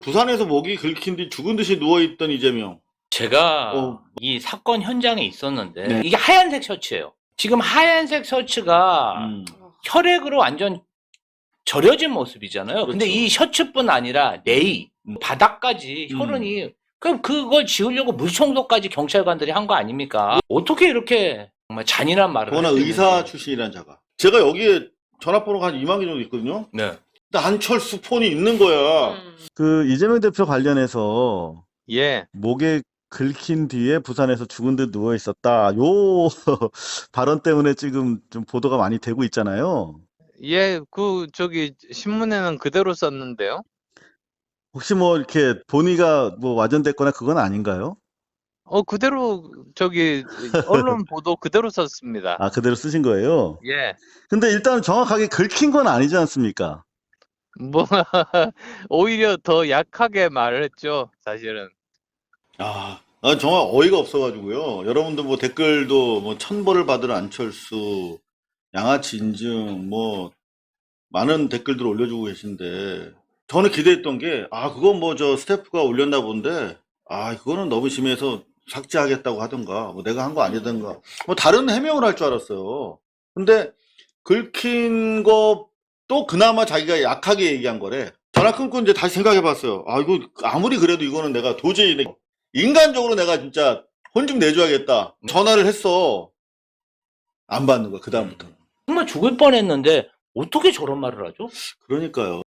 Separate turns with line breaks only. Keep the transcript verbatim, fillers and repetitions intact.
부산에서 목이 긁힌 뒤 죽은 듯이 누워있던 이재명.
제가
어.
이 사건 현장에 있었는데
네.
이게 하얀색 셔츠예요. 지금 하얀색 셔츠가
음.
혈액으로 완전 절여진 모습이잖아요. 근데
그렇죠.
이 셔츠뿐 아니라 내이,
음.
바닥까지
음.
혈흔이 그럼 그걸 지우려고 물청소까지 경찰관들이 한 거 아닙니까? 어떻게 이렇게 정말 잔인한 말을
더구나
할 수
의사
있는지.
출신이란 자가. 제가 여기에 전화번호가 한 이만 개 정도 있거든요.
네.
근데 안철수 폰이 있는 거야.
그 이재명 대표 관련해서
예,
목에 긁힌 뒤에 부산에서 죽은 듯 누워 있었다. 요 발언 때문에 지금 좀 보도가 많이 되고 있잖아요.
예, 그 저기 신문에는 그대로 썼는데요.
혹시 뭐 이렇게 본의가 뭐 와전됐거나 그건 아닌가요?
어, 그대로 저기 언론 보도 그대로 썼습니다.
아, 그대로 쓰신 거예요?
예,
근데 일단 정확하게 긁힌 건 아니지 않습니까?
뭐 오히려 더 약하게 말했죠, 사실은.
아, 난 정말 어이가 없어가지고요. 여러분들 뭐 댓글도 뭐 천벌을 받을 안철수, 양아치 인증, 뭐 많은 댓글들 올려주고 계신데 저는 기대했던 게, 아, 그건 뭐 저 스태프가 올렸나 본데, 아, 그거는 너무 심해서 삭제하겠다고 하던가, 뭐 내가 한 거 아니던가, 뭐 다른 해명을 할 줄 알았어요. 근데 긁힌 거 또 그나마 자기가 약하게 얘기한 거래. 전화 끊고 이제 다시 생각해 봤어요. 아, 이거 아무리 그래도 이거는 내가 도저히 내- 인간적으로 내가 진짜 혼 좀 내줘야겠다. 전화를 했어. 안 받는 거야, 그다음부터.
정말 죽을 뻔했는데 어떻게 저런 말을 하죠?
그러니까요.